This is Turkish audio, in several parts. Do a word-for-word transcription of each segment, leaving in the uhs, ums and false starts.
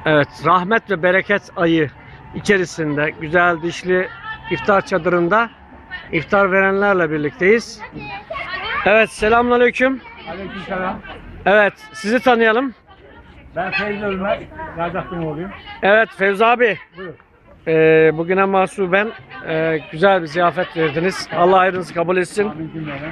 Evet, rahmet ve bereket ayı içerisinde güzel dişli iftar çadırında iftar verenlerle birlikteyiz. Evet, selamünaleyküm. Aleykümselam. Evet, sizi tanıyalım. Ben Feyzi Ölmez. Razaklı'nın oğluyum. Evet, Fevzi abi. Buyur. Ee, bugüne mahsuben e, güzel bir ziyafet verdiniz. Allah hayrınızı kabul etsin. Amin cümleden.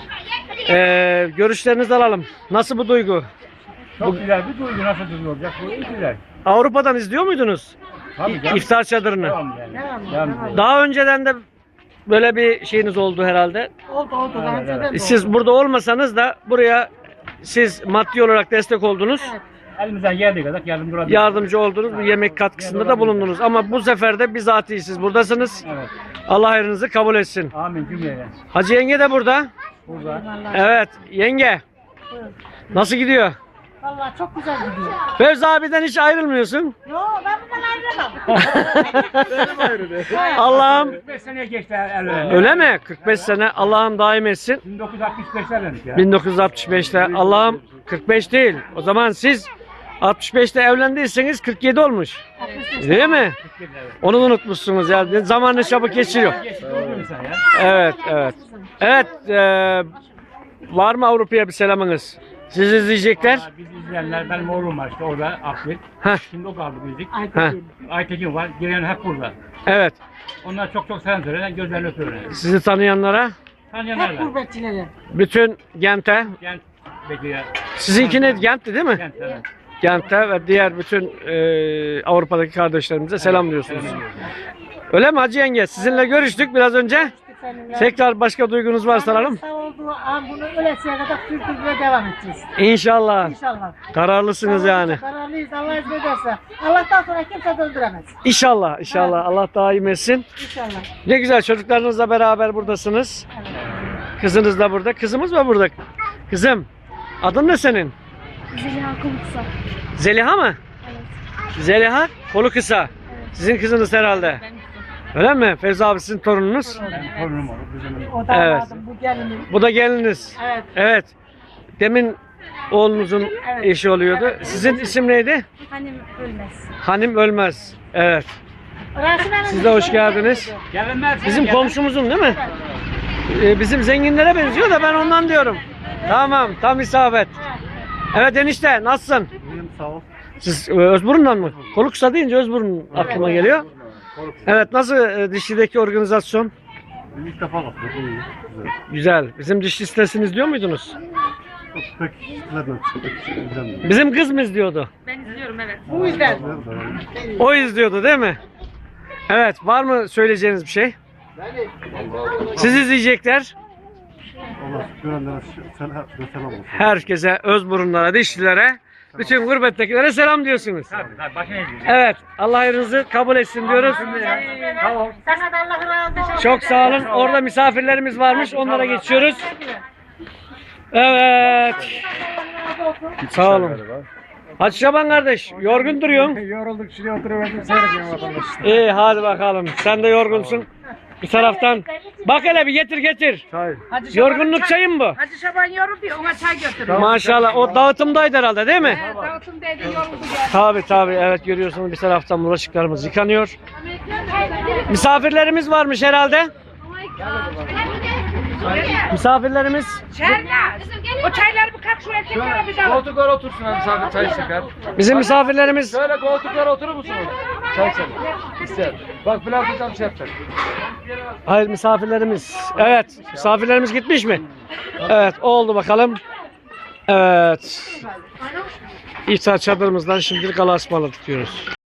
Ee, görüşlerinizi alalım. Nasıl bu duygu? Çok Bu- güzel bir duygu. Nasıl duygu olacak? Bu iyi güzel. Avrupa'dan izliyor muydunuz? Tabii canım. İftar çadırını. Devam yani. Devam ediyor. Daha önceden de böyle bir şeyiniz oldu herhalde. Oldu oldu. Daha Evet, önceden evet. de oldu. Siz burada olmasanız da buraya siz maddi olarak destek oldunuz. Evet. Elimizden geldiği kadar yardımcı olabiliriz. Yardımcı oldunuz. Bu yemek katkısında da bulundunuz. Ama bu sefer de bizatihi siz buradasınız. Evet. Allah hayrınızı kabul etsin. Amin cümleden. Hacı yenge de burada. Burada. Vallahi, Evet yenge. buyurun. Nasıl gidiyor? Vallahi çok güzel gidiyor. Fevzi abiden hiç ayrılmıyorsun. Yo ben bundan ayrılamam. Allah'ım. kırk beş seneye geçti evlendik. Öyle mi? kırk beş sene. Allah'ım daim etsin. bin dokuz yüz altmış beşte evlendik ya. bin dokuz yüz altmış beşte. Allah'ım kırk beş değil. O zaman siz altmış beşte evlendiyseniz kırk yedi olmuş. Değil mi? Evet. Onu da unutmuşsunuz ya. Zamanını çabuk geçiriyor. Geçti oldu insan ya. Evet, evet. Evet, eee, var mı Avrupa'ya bir selamınız? Siz izleyecekler. Vallahi Biz izleyenler, benim oğlum var işte orada Akbil. Heh, Şimdi o kaldı bildik. heh, Aytekin var. Gelen hep burada. evet. Onlar çok çok selam söyler. Gözlerini öpüyorlar. Sizi tanıyanlara, Tanıyanlar Hep var. gurbetçilere. bütün Gent'e, Gent bekliyor. sizinkiniz Gent'ti değil mi? Gent evet. Gent'e ve diğer bütün eee, Avrupa'daki kardeşlerimize selam diyorsunuz. Selam ediyoruz. Öyle mi Hacı yenge? Sizinle görüştük biraz önce. Seninle. Tekrar başka duygunuz varsa alalım. Sağ olduğu an bunu ölesiye kadar sürdürmeye devam edeceğiz. İnşallah. İnşallah. Kararlısınız yani. Kararlıyız Allah izin ederse. Allah'tan sonra kimse döndüremez. İnşallah, inşallah. Allah daim etsin. İnşallah. Ne güzel çocuklarınızla beraber buradasınız. Evet. Kızınız da burada. Kızımız mı burada? Kızım, adın ne senin? Zeliha Kuluksa. Zeliha mı? Evet. Zeliha, kolu kısa. Sizin kızınız herhalde. Öyle mi? Fevzi abi sizin torununuz. Benim torunum olur. Bizim O damadım, bu gelinim. Bu da gelininiz. Evet. Evet. Demin oğlunuzun eşi oluyordu. Sizin isim neydi? Hanım ölmez. Hanım Ölmez. Evet. Rasim Hanım, Siz de hoş geldiniz. gelenler Bizim komşumuzun değil mi? Ee, bizim zenginlere benziyor da ben ondan diyorum. Tamam, tam isabet. Evet enişte, nasılsın? Buyurun sağ ol. Siz e, Özburun'dan mı? Kolu kısa deyince Özburun aklıma geliyor. Evet, nasıl e, dişlideki organizasyon? İlk defa baktık. İyi. Güzel. Güzel. Bizim diş listesini izliyor muydunuz? Pek izlemedim. İzlemedim. Bizim kız mı izliyordu? Ben izliyorum evet. Bu yüzden. O izliyordu değil mi? Evet, var mı söyleyeceğiniz bir şey? Siz izleyecekler. Allah görenlere sen selam olsun. Herkese, Özburunlara, dişlilere, bütün gurbettekilere selam diyorsunuz. Tabii tabii. Başına ne Evet, Allah hayrınızı kabul etsin diyoruz. Tamam. Sana da Allah razı olsun. Çok sağ olun. Orada misafirlerimiz varmış. Onlara geçiyoruz. Evet. Sağ olun. Hacı Şaban kardeş, yorgun duruyorsun. Yorulduk şuraya oturuverdim seyrediyorum vatandaş. İyi, hadi bakalım. Sen de yorgunsun. Bir taraftan. Bak hele bir getir getir. Çay. Yorgunluk çayı mı bu? Hacı Şaban yoruldu ya ona çay götürüyor. Maşallah. O dağıtımdaydı herhalde değil mi? Evet, dağıtım dedi yoruldu geldi. Tabii tabii. Evet görüyorsunuz bir taraftan bulaşıklarımız yıkanıyor. Misafirlerimiz varmış herhalde. Misafirlerimiz. Çaylar. O çayları bir kalk şu erkeklere bir daha. Koltuklar otursun abi misafir çay içecekler. Bizim misafirlerimiz. Şöyle koltuklara oturur musunuz? Çay içelim. İster. Bak Bülent hocam şey yapacak. Hayır misafirlerimiz. Evet. Misafirlerimiz gitmiş mi? Evet oldu bakalım. Evet. İftar çadırımızdan şimdilik Allah'a ısmarladık diyoruz.